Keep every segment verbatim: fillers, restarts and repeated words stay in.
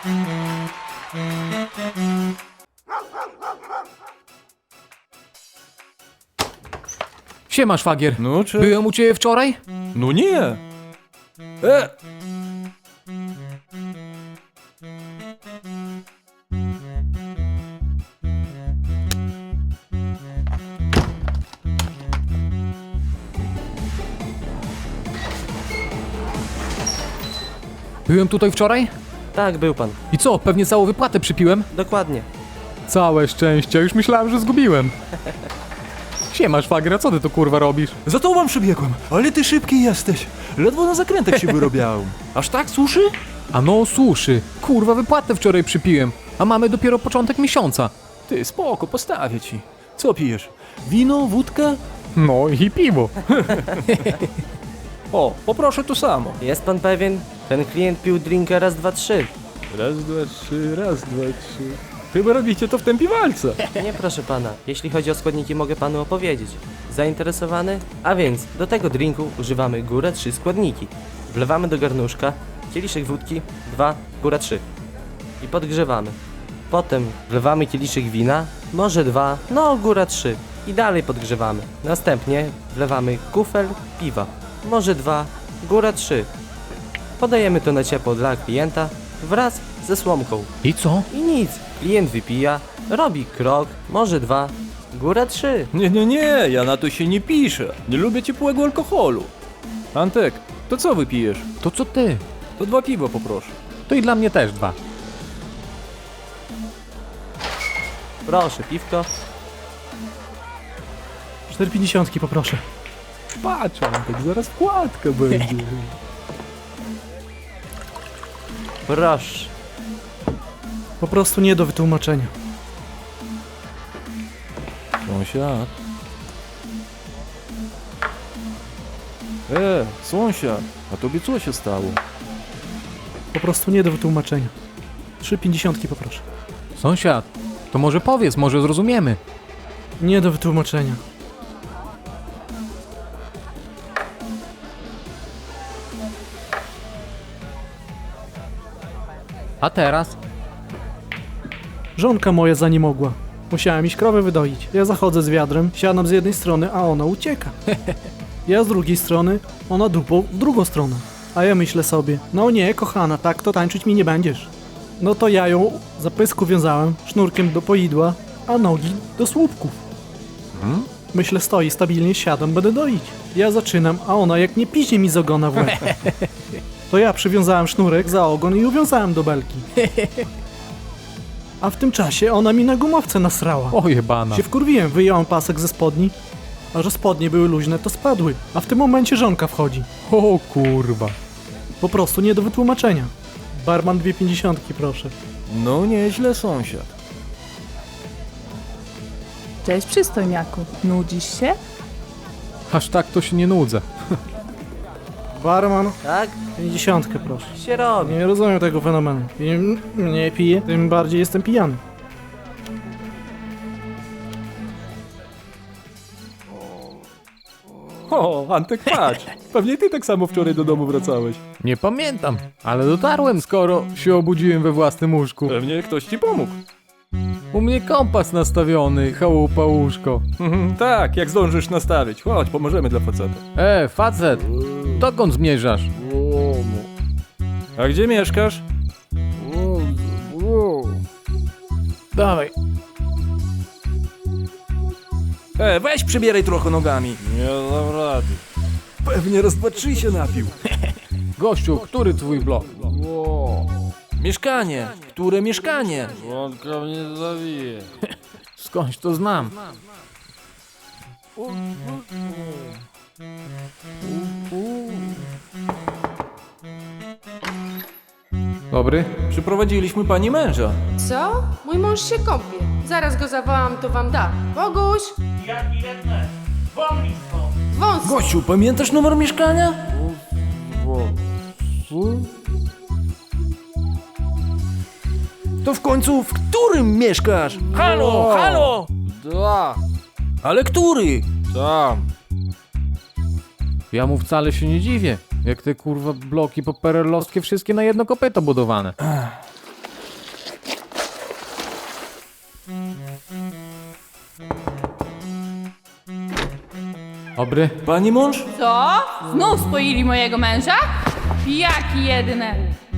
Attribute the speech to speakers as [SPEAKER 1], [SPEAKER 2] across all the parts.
[SPEAKER 1] Siema, szwagier.
[SPEAKER 2] No, czy...
[SPEAKER 1] Byłem u ciebie wczoraj?
[SPEAKER 2] No nie! E!
[SPEAKER 1] Byłem tutaj wczoraj?
[SPEAKER 3] Tak, był pan.
[SPEAKER 1] I co, pewnie całą wypłatę przypiłem?
[SPEAKER 3] Dokładnie.
[SPEAKER 1] Całe szczęście, już myślałem, że zgubiłem. Siema, szwagier, a co ty tu kurwa robisz?
[SPEAKER 2] Za tobą przybiegłem, ale ty szybki jesteś. Ledwo na zakrętach się wyrobiałem. Aż tak suszy?
[SPEAKER 1] A no, suszy. Kurwa, wypłatę wczoraj przypiłem. A mamy dopiero początek miesiąca.
[SPEAKER 2] Ty, spoko, postawię ci. Co pijesz? Wino, wódkę?
[SPEAKER 1] No i piwo.
[SPEAKER 2] O, poproszę to samo.
[SPEAKER 3] Jest pan pewien? Ten klient pił drinka raz, dwa, trzy.
[SPEAKER 2] Raz, dwa, trzy, raz, dwa, trzy. Chyba robicie to w tempie walca.
[SPEAKER 3] Nie, proszę pana. Jeśli chodzi o składniki, mogę panu opowiedzieć. Zainteresowany? A więc, do tego drinku używamy góra trzy składniki. Wlewamy do garnuszka kieliszek wódki, dwa, góra trzy. I podgrzewamy. Potem wlewamy kieliszek wina, może dwa, no góra trzy. I dalej podgrzewamy. Następnie wlewamy kufel piwa, może dwa, góra trzy. Podajemy to na ciepło dla klienta wraz ze słomką.
[SPEAKER 1] I co?
[SPEAKER 3] I nic. Klient wypija, robi krok, może dwa, góra trzy.
[SPEAKER 2] Nie, nie, nie, ja na to się nie piszę. Nie lubię ciepłego alkoholu. Antek, to co wypijesz?
[SPEAKER 1] To co ty?
[SPEAKER 2] To dwa piwa poproszę.
[SPEAKER 1] To i dla mnie też dwa.
[SPEAKER 3] Proszę, piwko.
[SPEAKER 4] cztery pięćdziesiątki poproszę.
[SPEAKER 2] Patrz, Antek, zaraz wkładka będzie.
[SPEAKER 3] Proszę.
[SPEAKER 4] Po prostu nie do wytłumaczenia.
[SPEAKER 2] Sąsiad. E, sąsiad, a tobie co się stało?
[SPEAKER 4] Po prostu nie do wytłumaczenia. trzy pięćdziesiątki poproszę.
[SPEAKER 1] Sąsiad, to może powiedz, może zrozumiemy.
[SPEAKER 4] Nie do wytłumaczenia.
[SPEAKER 1] A teraz?
[SPEAKER 4] Żonka moja za nie mogła. Musiałem iść krowę wydoić. Ja zachodzę z wiadrem, siadam z jednej strony, a ona ucieka. Ja z drugiej strony, ona dupą w drugą stronę. A ja myślę sobie, no nie, kochana, tak to tańczyć mi nie będziesz. No to ja ją za pysku wiązałem, sznurkiem do poidła, a nogi do słupków.
[SPEAKER 1] Hmm?
[SPEAKER 4] Myślę, stoi stabilnie, siadam, będę doić. Ja zaczynam, a ona jak nie piźnie mi z ogona w łeb. To ja przywiązałem sznurek za ogon i uwiązałem do belki. A w tym czasie ona mi na gumowce nasrała.
[SPEAKER 1] O jebana.
[SPEAKER 4] Się wkurwiłem, wyjąłem pasek ze spodni, a że spodnie były luźne, to spadły. A w tym momencie żonka wchodzi.
[SPEAKER 1] O kurwa.
[SPEAKER 4] Po prostu nie do wytłumaczenia. Barman dwie pięćdziesiątki, proszę.
[SPEAKER 2] No nieźle, sąsiad.
[SPEAKER 5] Cześć przystojniaku, nudzisz się?
[SPEAKER 1] Aż tak to się nie nudzę.
[SPEAKER 4] Barman,
[SPEAKER 3] Tak?
[SPEAKER 4] pięćdziesiątkę, proszę.
[SPEAKER 3] Się robi.
[SPEAKER 4] Nie rozumiem tego fenomenu. Im mniej piję, tym bardziej jestem pijany.
[SPEAKER 2] O, Antek, patrz. Pewnie ty tak samo wczoraj do domu wracałeś.
[SPEAKER 1] Nie pamiętam, ale dotarłem, skoro się obudziłem we własnym łóżku.
[SPEAKER 2] Pewnie ktoś ci pomógł.
[SPEAKER 1] U mnie kompas nastawiony, chałupa łóżko.
[SPEAKER 2] Mhm, tak, jak zdążysz nastawić. Chodź, pomożemy dla faceta.
[SPEAKER 1] E, facet, dokąd zmierzasz?
[SPEAKER 2] A gdzie mieszkasz?
[SPEAKER 1] Dawaj.
[SPEAKER 2] E, weź przybieraj trochę nogami. Nie dam rady. Pewnie raz, dwa, trzy się napił.
[SPEAKER 1] Gościu, który twój blok?
[SPEAKER 2] Mieszkanie. Które mieszkanie?
[SPEAKER 6] Łąka mnie zawije.
[SPEAKER 1] Skądś to znam. Dobry?
[SPEAKER 2] Przyprowadziliśmy pani męża.
[SPEAKER 7] Co? Mój mąż się kąpie. Zaraz go zawołam, to wam da. Boguś!
[SPEAKER 6] Jaki redne? Wolni stąd!
[SPEAKER 7] Wąs!
[SPEAKER 2] Gościu, pamiętasz numer mieszkania? To w końcu w którym mieszkasz? Halo, halo!
[SPEAKER 6] Dwa!
[SPEAKER 2] Ale który?
[SPEAKER 6] Tam!
[SPEAKER 1] Ja mu wcale się nie dziwię. Jak te kurwa bloki poperelowskie wszystkie na jedno kopyto budowane. Dobry.
[SPEAKER 2] Pani mąż?
[SPEAKER 5] Co? Znów spoili mojego męża? Pijaki jedyne.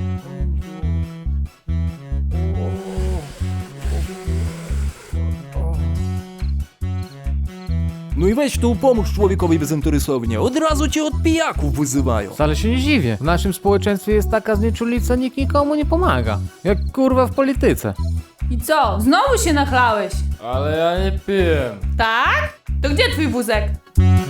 [SPEAKER 2] No i weź tu pomóż człowiekowi bezinteresownie. Od razu cię od pijaków wyzywają.
[SPEAKER 1] Wcale się nie dziwię. W naszym społeczeństwie jest taka znieczulica, nikt nikomu nie pomaga. Jak kurwa w polityce.
[SPEAKER 5] I co? Znowu się nachlałeś?
[SPEAKER 6] Ale ja nie piję.
[SPEAKER 5] Tak? To gdzie twój wózek?